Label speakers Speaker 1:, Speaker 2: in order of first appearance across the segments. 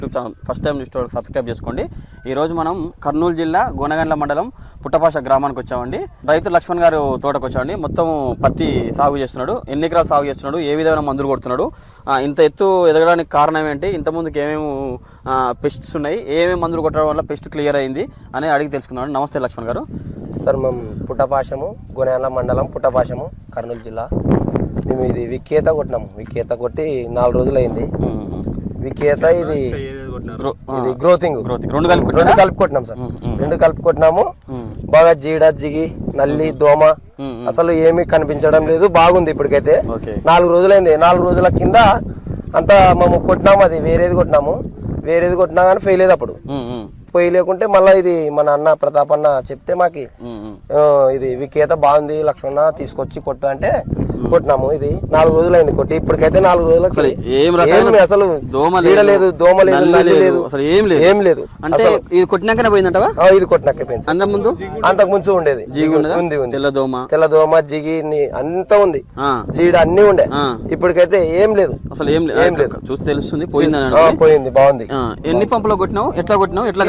Speaker 1: First time చూస్తే subscribe చేసుకోండి. ఈరోజు మనం కర్నూలు జిల్లా గోనగండ్ల మండలం పుట్టపాష గ్రామానికి వచ్చామండి. రైతు లక్ష్మణ్ గారు తోటకు వచ్చామండి. మొత్తం పత్తి సాగు చేస్తున్నాడు. ఎన్ని ఎకరాలు సాగు చేస్తున్నాడు, ఏ విధమైన మందులు కొడుతున్నాడు, ఇంత ఎత్తు ఎదగడానికి కారణం ఏంటి, ఇంతకుముందుకు ఏమేమి పెస్ట్స్ ఉన్నాయి, ఏమేమి మందులు కొట్టడం వల్ల పెస్ట్ క్లియర్ అయింది అని అడిగి తెలుసుకున్నాడు. నమస్తే లక్ష్మణ్ గారు.
Speaker 2: సార్ మేము పుట్టపాషము గోనగండ్ల మండలం పుట్టపాషము కర్నూలు జిల్లా. మేము ఇది విక్కేత కొట్టినాము. విక్కేత కొట్టి 4 రోజులు అయింది. విక్కేత ఇది గ్రోతింగ్ రెండు కలిపి కొట్టినాం సార్. 2 కలిపి కొట్టినాము. బాగా జీడ జిగి నల్లి దోమ అసలు ఏమీ కనిపించడం లేదు. బాగుంది ఇప్పటికైతే. 4 రోజులైంది. 4 రోజుల కింద అంతా మేము కొట్టినాము. అది వేరేది కొట్టినా కానీ ఫెయిల్ అయ్యేది. అప్పుడు పోయి లేకుంటే మళ్ళీ ఇది మన అన్న ప్రతాప్ అన్న చెప్తే మాకి ఇది విక్కేత బాగుంది లక్ష్మణ తీసుకొచ్చి కొట్టు అంటే కొట్టినాము. ఇది 4 రోజులు అయింది కొట్టి. ఇప్పటికైతే 4 రోజులకి అసలు లేదు, దోమ లేదు, నల్లి లేదు, ఏం లేదు.
Speaker 1: అంటే ఇది కొట్టినాకనే పోయిందంటవా?
Speaker 2: ఇది కొట్టినాకే పోయింది. అంతకు ముందు ఉండేది తెల్లదోమ జిగి అంతా ఉంది, జీడ అన్ని ఉండే. ఇప్పటికైతే ఏం లేదు,
Speaker 1: అసలు ఏం లేదు. చూసి తెలుస్తుంది
Speaker 2: పోయింది. బాగుంది.
Speaker 1: ఎన్ని పంపులో కొట్టినావు, ఎట్లా కొట్టినావు, ఎట్లా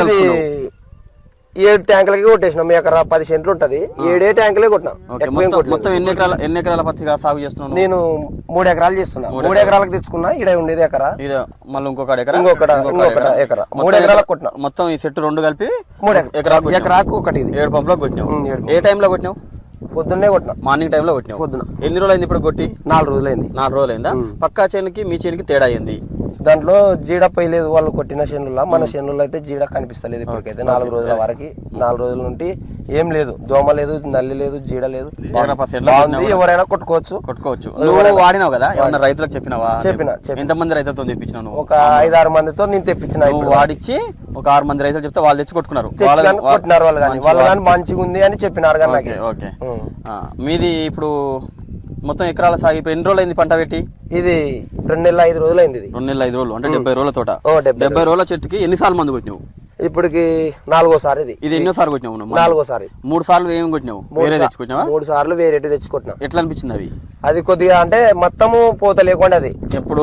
Speaker 2: 7 ట్యాంకులకి కొట్టేసినాం. మీ ఎకరా 10 సెంట్లు ఉంటది. 7 ట్యాంకులే కొట్టినా.
Speaker 1: మొత్తం ఎన్ని ఎకరాల పత్తిగా సాగు చేస్తున్నాను?
Speaker 2: నేను 3 ఎకరాలు చేస్తున్నా. 3 ఎకరాలకు తెచ్చుకున్నా. ఇక్కడ ఉండేది ఎకరా,
Speaker 1: మళ్ళీ ఇంకొక ఎకరా,
Speaker 2: 3 ఎకరాలకు కొట్టినా.
Speaker 1: మొత్తం ఈ సెట్ 2 కలిపి
Speaker 2: 3 ఎకరాకు ఒకటి.
Speaker 1: 7 పంపులో కొట్టినావు. ఏ టైంలో కొట్టినావు?
Speaker 2: పొద్దున్నే కొట్టినా.
Speaker 1: మార్నింగ్ టైంలో కొట్టినావు.
Speaker 2: పొద్దున.
Speaker 1: ఎన్ని రోజులు అయింది ఇప్పుడు కొట్టి?
Speaker 2: 4 రోజులైంది.
Speaker 1: 4 రోజులైందా? పక్కా చేనుకి మీ చేనుకి తేడా అయింది.
Speaker 2: దాంట్లో జీడ పోయలేదు. వాళ్ళు కొట్టిన చేనుల్లో. మన చేనుల్లో అయితే జీడ కనిపిస్తలేదు ఇప్పటికైతే. 4 రోజుల వరకు. 4 రోజుల నుండి ఏం లేదు, దోమ లేదు, నల్లి లేదు, జీడ లేదు. ఎవరైనా కొట్టుకోవచ్చు.
Speaker 1: నువ్వు వాడినావు కదా, ఏమన్నా రైతులకు చెప్పినావా?
Speaker 2: చెప్పిన.
Speaker 1: ఎంతమంది రైతులతో తెప్పించినావు?
Speaker 2: ఒక 5-6 మందితో నేను తెప్పించిన.
Speaker 1: వాడిచ్చి ఒక 6 మంది రైతులు చెప్తే వాళ్ళు తెచ్చి కొట్టుకున్నారు.
Speaker 2: కొట్టినారు వాళ్ళు కానీ మంచిగా ఉంది అని చెప్పినారు. కానీ
Speaker 1: ఓకే. మీది ఇప్పుడు మొత్తం ఎకరాల సాగు ఇప్పుడు ఎన్ని రోజులు అయింది పంట పెట్టి?
Speaker 2: ఇది 2 నెలల 5 రోజులు అయింది.
Speaker 1: 2 నెలల 5 రోజులు అంటే 70 రోజుల తోట. 70 రోజుల చెట్టుకి ఎన్నిసార్లు మందు కొట్టినావు?
Speaker 2: ఇప్పటికి 4వసారి.
Speaker 1: ఇది ఎన్నోసారి కొట్టినావు?
Speaker 2: 4వసారి.
Speaker 1: 3 సార్లు ఏమి కొట్టినావు? వేరే తెచ్చుకొచ్చినావా?
Speaker 2: 3 సార్లు వేరే తెచ్చుకుంటున్నా.
Speaker 1: ఎట్లా అనిపించింది అవి?
Speaker 2: అది కొద్దిగా అంటే మొత్తము పోత లేకుండా అది
Speaker 1: ఎప్పుడు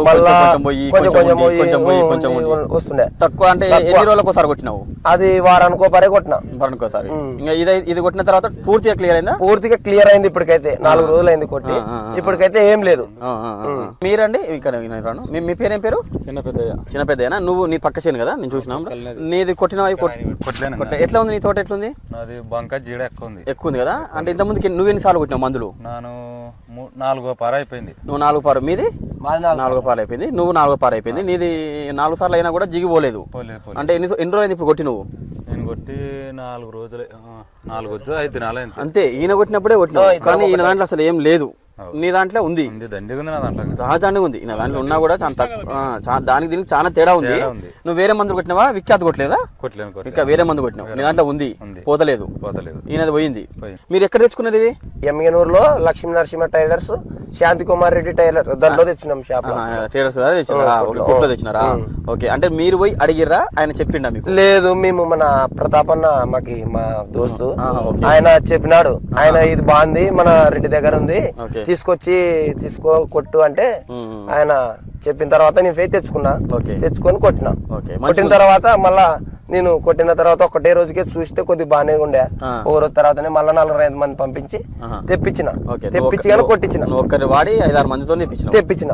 Speaker 2: వస్తుండే.
Speaker 1: తక్కువ అంటే ఎన్ని రోజులకు ఒకసారి కొట్టినావు?
Speaker 2: అది వారానికో పరే కొట్టినా.
Speaker 1: వారానికోసారి. ఇంకా ఇది కొట్టిన తర్వాత పూర్తిగా క్లియర్ అయిందా?
Speaker 2: పూర్తిగా క్లియర్ అయింది. ఇప్పటికైతే 4 రోజులు అయింది కొట్టి. ఇప్పటికైతే ఏం లేదు.
Speaker 1: మీరండి ఇక్కడ మీ పేరేం పేరు? చిన్న పెద్దయ్యనా? నువ్వు నీ పక్క చేను కదా, నేను చూసినా. నీది కొట్టినవి ఎట్లా ఉంది? నీ తోట ఎట్లుంది? ఎక్కువ ఉంది కదా. అంటే ఇంత ముందుకి నువ్వు ఎన్నిసార్లు కొట్టినావు మందులు?
Speaker 3: నేను 4వ పార అయిపోయింది.
Speaker 1: నువ్వు 4వ పార. మీది 4వ పార అయిపోయింది. నువ్వు 4వ పార అయిపోయింది. నీది 4 సార్లు అయినా కూడా జిగిపోలేదు. అంటే ఎన్ని రోజులు అయింది ఇప్పుడు కొట్టి? నువ్వు
Speaker 3: నేను కొట్టి 4 రోజులు 5 దినాలు
Speaker 1: అంతే. ఈయన కొట్టినప్పుడే కొట్టినావు. కానీ ఈయన దాంట్లో అసలు ఏం లేదు. నీ దాంట్లో ఉంది, దండిగా ఉంది. నా దాంట్లో ఉన్నా కూడా దానికి దీనికి చాలా తేడా ఉంది. నువ్వు వేరే మందులు కొట్టినావా? విఖ్యాత కొట్టలేదా? ఇంకా వేరే మందు కొట్టినావు. నీ దాంట్లో ఉంది, పోతలేదు. ఈయనది పోయింది. మీరు ఎక్కడ తెచ్చుకున్నారు ఇవి?
Speaker 2: ఎమ్మిగనూరులో లక్ష్మీ నరసింహ టైలర్స్, శాంతి కుమార్ రెడ్డి టైలర్ దాంట్లో తెచ్చినాం. షాప్
Speaker 1: టైలర్స్ తెచ్చినారా? ఓకే. అంటే మీరు పోయి అడిగిర్రా? ఆయన చెప్పిండా మీకు?
Speaker 2: లేదు, మేము మన ప్రతాప్ అన్న మా దోస్తు ఆయన చెప్పినాడు. ఆయన ఇది బాగుంది, మన రెడ్డి దగ్గర ఉంది, కొట్టు అంటే ఆయన చెప్పిన తర్వాత నేను ఫేస్ తెచ్చుకొని కొట్టిన. కొట్టిన తర్వాత మళ్ళా నేను కొట్టిన తర్వాత ఒకటే రోజుకే చూస్తే కొద్దిగా బాగానే ఉండే. ఒక రోజు తర్వాతనే మళ్ళీ 4-5 మంది పంపించి తెప్పించి కానీ కొట్టించిన.
Speaker 1: వాడి 5-6 మందితో
Speaker 2: తెప్పించిన.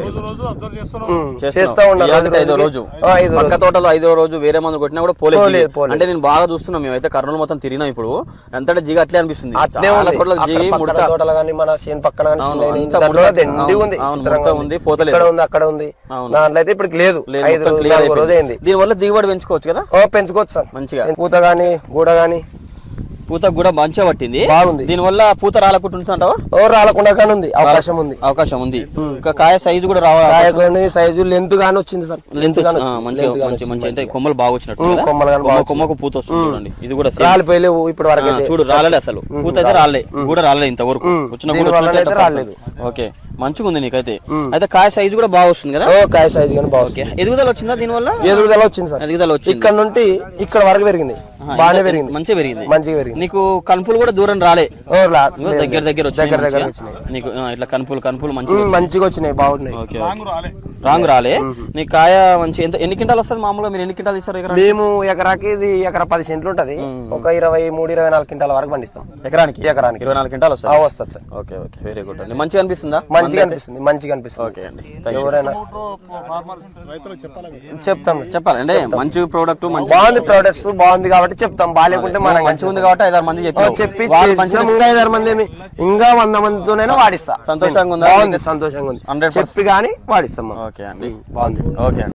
Speaker 1: చేస్తా ఉన్నాను. తోటలో 5వ రోజు వేరే మంది కొట్టినా కూడా పోలేదు. అంటే నేను బాగా చూస్తున్నాం. మేమైతే కర్నూలు మొత్తం తిరిగినాం. ఇప్పుడు ఎంత జిగి అట్లే అనిపిస్తుంది.
Speaker 2: తోటలు కానీ మన చేను పక్కన
Speaker 1: ఉంది, పోతలేదు.
Speaker 2: అక్కడ ఉంది. దాంట్లో అయితే ఇప్పుడు లేదు. 5 రోజు అయింది.
Speaker 1: దీని వల్ల దిగుబడి పెంచుకోవచ్చు కదా?
Speaker 2: పెంచుకోవచ్చు సార్ మంచిగా. పూత గానీ గూడ గానీ
Speaker 1: పూత కూడా మంచిగా పట్టింది,
Speaker 2: బాగుంది.
Speaker 1: దీని వల్ల పూత రాలకుంటుంటావా?
Speaker 2: రాలకుండా కానీ ఉంది, అవకాశం ఉంది.
Speaker 1: ఇంకా కాయ సైజు కూడా రావాలి.
Speaker 2: సైజు లెంత్ గానీ వచ్చింది సార్.
Speaker 1: లెంత్ మంచి కొమ్మలు బాగా వచ్చినట్టు. కొమ్మకు పూత వస్తుంది చూడండి. ఇది కూడా
Speaker 2: రాలిపోయలేవు ఇప్పటి వరకు.
Speaker 1: చూడు రాలేదు అసలు. పూత అయితే రాలే, కూడా రాలేదు ఇంతవరకు. వచ్చిన రాలేదు. ఓకే, మంచిగా ఉంది నీకైతే. అయితే కాయ సైజు కూడా బాగా వస్తుంది కదా?
Speaker 2: కాయ సైజు కానీ బాగా.
Speaker 1: ఎదుగుదల వచ్చిందా దీని వల్ల?
Speaker 2: ఎదుగుదల వచ్చింది సార్.
Speaker 1: ఎదుగుదల వచ్చింది.
Speaker 2: ఇక్కడ నుండి ఇక్కడ వరకు పెరిగింది, బాగానే పెరిగింది,
Speaker 1: మంచిగా పెరిగింది. నీకు కనుపులు కూడా దూరం రాలే,
Speaker 2: ఓ,
Speaker 1: ఇగో దగ్గర దగ్గర వచ్చినాయి
Speaker 2: దగ్గర దగ్గర
Speaker 1: మంచిగా.
Speaker 2: వచ్చినాయి.
Speaker 1: నీకు ఇట్లా కనుపులు మంచిగా
Speaker 2: మంచిగా వచ్చినాయి, బాగున్నాయి.
Speaker 1: ఓకే రాంగ్ రాలే. నీ కాయ మంచి ఎన్ని క్వింటాలు వస్తుంది మామూలుగా? మీరు ఎన్ని క్వింటాలు తీస్తారు ఎకరా?
Speaker 2: మేము ఎకరాకి ఇది ఎకరా 10 సెంట్లు ఉంటది, ఒక 23-24 క్వింటాల వరకు పండిస్తాం
Speaker 1: ఎకరానికి.
Speaker 2: 24
Speaker 1: క్వింటాలు వస్తుంది.
Speaker 2: వస్తుంది sir.
Speaker 1: Okay okay, very good అండి. మంచిగా అనిపిస్తుందా?
Speaker 2: మంచిగా అనిపిస్తుంది, మంచిగా అనిపిస్తుంది.
Speaker 1: ఓకే అండి,
Speaker 2: ఎవరైనా చెప్తాం,
Speaker 1: చెప్పాలండి. మంచి ప్రోడక్ట్ మంచి
Speaker 2: బాగుంది, ప్రొడక్ట్స్ బాగుంది కాబట్టి చెప్తాం. బాగాలేకుంటే మనం
Speaker 1: మంచిగా ఉంది కాబట్టి 5-6 మంది
Speaker 2: చెప్పి
Speaker 1: వాళ్ళు మంచిగా
Speaker 2: ఇంకా 5-6 మంది ఇంకా 100 మందితోనైనా వాడిస్తా.
Speaker 1: సంతోషంగా ఉందా?
Speaker 2: బాగుంది, సంతోషంగా ఉంది.
Speaker 1: 100%
Speaker 2: చెప్పి గానీ వాడిస్తాం.
Speaker 1: ఓకే అండి,
Speaker 2: బాగుంది.
Speaker 1: ఓకే అండి.